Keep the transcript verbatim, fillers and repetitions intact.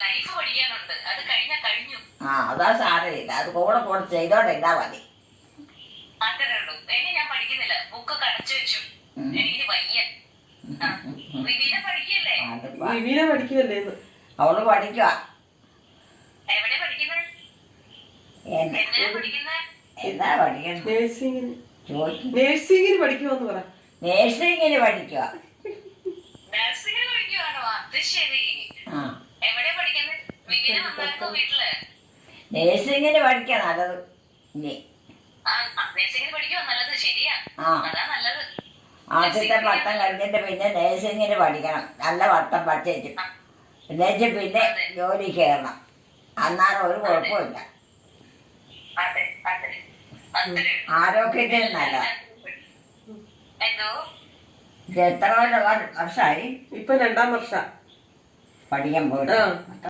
Life പഠിക്കാനുണ്ട്. അത് കഴിഞ്ഞാ കഴിഞ്ഞു. ആ അതാ സാരമില്ല, അത് കൂടെ കൂടെ ചെയ്തോണ്ടിരുന്നാ മതി. അത്രേ ഉള്ളൂ. ഇനി ഞാൻ പഠിക്കുന്നില്ല, ബുക്കൊക്കെ അടച്ചു വെച്ചു. എനിക്ക് വയ്യ. വിവീന പഠിക്കല്ലേ? വിവീന പഠിക്കുമല്ലേ? അവള് പഠിക്കുക. എവിടെ പഠിക്കുന്നത്? എന്തിനാ പഠിക്കുന്നത്? എന്താ പഠിക്കുന്നത്? നേഴ്സിംഗിന്. ചോദിക്കും. നേഴ്സിംഗിന് പഠിക്കുമെന്ന് പറ. നേഴ്സിംഗിന് പഠിക്കുക. നഴ്സിംഗിന് പഠിക്കുവാണോ? അത് ശരി. എവിടെ പഠിക്കുന്നത്? വിവീന വന്നായിരുന്നോ വീട്ടില്? നേഴ്സിംഗിന് പഠിക്കുക നല്ലത്. ഇനി നഴ്സിംഗിന് പഠിക്കുവാ നല്ലത്. ശരിയാ, അതാ നല്ലത്. ആദ്യത്തെ പട്ടം കഴിഞ്ഞിട്ട് പിന്നെ നേഴ്സിംഗിന് പഠിക്കണം. നല്ല പട്ടം പഠിച്ചു എന്നുവെച്ച് പിന്നെ ജോലി കയറണം. അന്നാലും ഒരു കുഴപ്പമില്ല. ആരോഗ്യത്തിന് നല്ലത്. എന്തോ ഇത് എത്ര വർഷമായി? ഇപ്പൊ രണ്ടാം വർഷം പഠിക്കാൻ പോയിട്ട്.